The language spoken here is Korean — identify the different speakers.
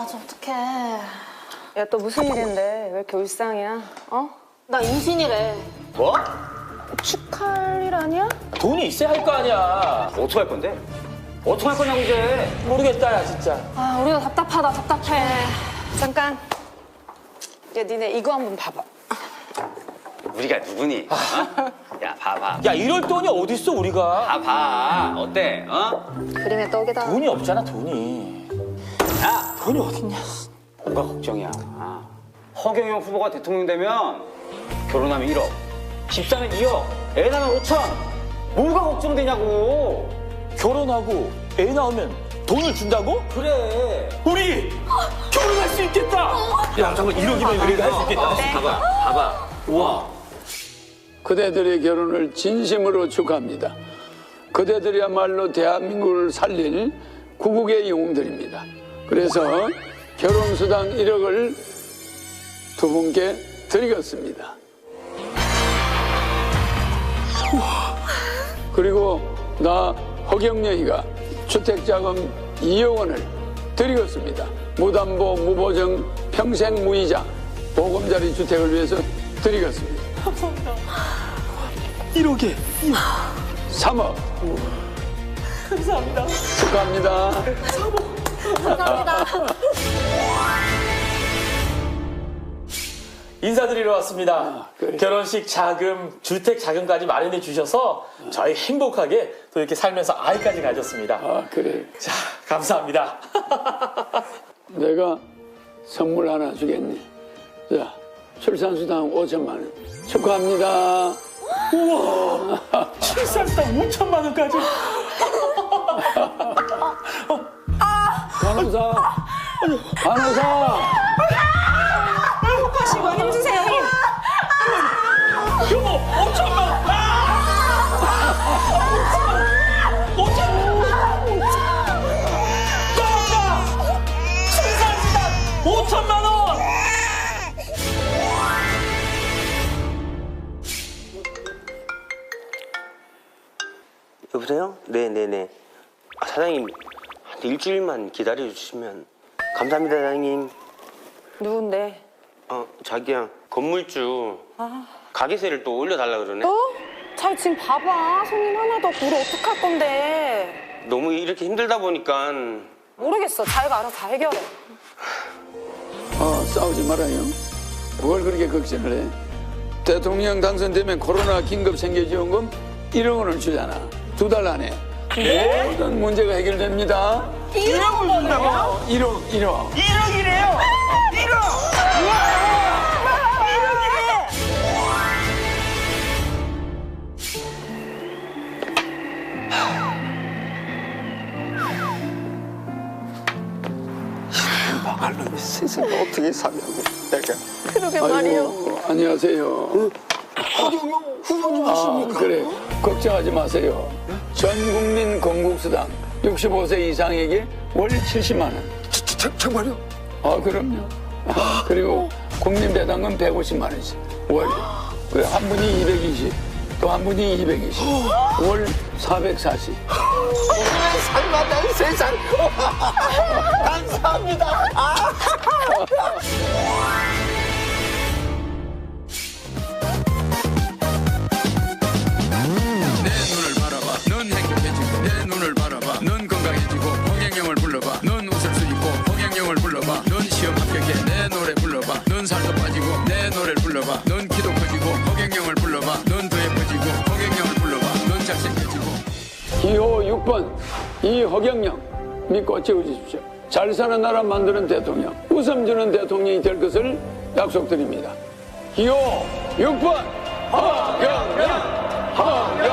Speaker 1: 저 어떡해.
Speaker 2: 야, 또 무슨 일인데? 왜 이렇게 울상이야? 어?
Speaker 1: 나 임신이래.
Speaker 3: 뭐?
Speaker 2: 축하할 일 아니야?
Speaker 4: 돈이 있어야 할 거 아니야.
Speaker 3: 어떻게 할 건데? 어떻게 할 거냐고 이제.
Speaker 4: 모르겠다, 야, 진짜.
Speaker 1: 아, 우리가 답답하다, 답답해.
Speaker 2: 잠깐. 야, 니네 이거 한번 봐봐.
Speaker 3: 우리가 누구니? 어? 야, 봐봐.
Speaker 4: 야, 이럴 돈이 어딨어, 우리가.
Speaker 3: 봐. 어때? 어?
Speaker 2: 그림의 떡이다.
Speaker 4: 돈이 없잖아, 돈이.
Speaker 3: 야,
Speaker 4: 돈이 어딨냐.
Speaker 3: 뭐가 걱정이야. 허경영 후보가 대통령 되면 결혼하면 1억, 집사면 2억, 애 낳으면 5천. 뭐가 걱정되냐고.
Speaker 4: 결혼하고 애 낳으면 돈을 준다고?
Speaker 3: 그래.
Speaker 4: 우리 결혼할 수 있겠다. 야, 정말 1억이면 우리가 할 수 있겠다.
Speaker 3: 봐봐. 우와.
Speaker 5: 그대들의 결혼을 진심으로 축하합니다. 그대들이야말로 대한민국을 살릴 구국의 영웅들입니다. 그래서 결혼수당 1억을 두 분께 드리겠습니다. 그리고 나 허경영이가 주택자금 2억 원을 드리겠습니다. 무담보, 무보증, 평생 무이자 보금자리 주택을 위해서 드리겠습니다.
Speaker 4: 1억에
Speaker 5: 3억.
Speaker 4: 감사합니다.
Speaker 5: 축하합니다.
Speaker 1: 감사합니다.
Speaker 4: 인사드리러 왔습니다.
Speaker 5: 그래.
Speaker 4: 결혼식 자금, 주택 자금까지 마련해 주셔서 저희 행복하게 또 이렇게 살면서 아이까지 가졌습니다.
Speaker 5: 아, 그래.
Speaker 4: 자, 감사합니다.
Speaker 5: 내가 선물 하나 주겠니? 자, 출산수당 5천만 원. 축하합니다.
Speaker 4: 출산수당 5천만 원까지.
Speaker 5: 간호사.
Speaker 2: 하시고 힘주세요, 힘.
Speaker 4: 여보, 5천만 원. 5천만 원!
Speaker 6: 여보세요? 네네네. 사장님, 한 일주일만 기다려주시면 감사합니다, 사장님.
Speaker 2: 누군데?
Speaker 6: 자기야, 건물주 가게세를 또 올려달라 그러네.
Speaker 2: 잘 지금 봐봐. 손님 하나도 없고 우리 어떡할 건데.
Speaker 6: 너무 이렇게 힘들다 보니까
Speaker 2: 모르겠어. 자기가 알아서 다 해결해.
Speaker 5: 싸우지 말아요. 뭘 그렇게 걱정을 해? 대통령 당선되면 코로나 긴급 생계지원금 1억 원을 주잖아. 2달 안에. 모든 문제가 해결됩니다.
Speaker 4: 1억을 준다고?
Speaker 5: 1억.
Speaker 4: 1억이래요! 1억!
Speaker 6: 말로 세상에 어떻게 사냐고 내가.
Speaker 2: 그러게 말이요.
Speaker 5: 아이고, 안녕하세요. 후보님이십니까? 그래, 걱정하지 마세요. 전 국민 건국수당 65세 이상에게 월 70만 원.
Speaker 6: 정말요?
Speaker 5: 그럼요. 그리고 국민배당금 150만 원씩 월. 그래, 한 분이 220, 또 한 분이 220, 월 440.
Speaker 6: 살마다 세상. 감사합니다.
Speaker 7: 내 눈을 바라봐 넌 행복해지고 내 눈을 바라봐 넌 건강해지고 허경영을 불러봐 넌 웃을 수 있고 허경영을 불러봐 넌 시험 합격해 내 노래 불러봐 넌 살도 빠지고 내 노래를 불러봐 넌 키도 커지고 허경영을 불러봐 넌 더 예뻐지고 허경영을 불러봐 넌 잘생겨지고
Speaker 5: 기호 6번 이허경영 믿고 채워주십시오. 잘 사는 나라 만드는 대통령, 웃음 주는 대통령이 될 것을 약속드립니다. 기호 6번 허경영! 허경영!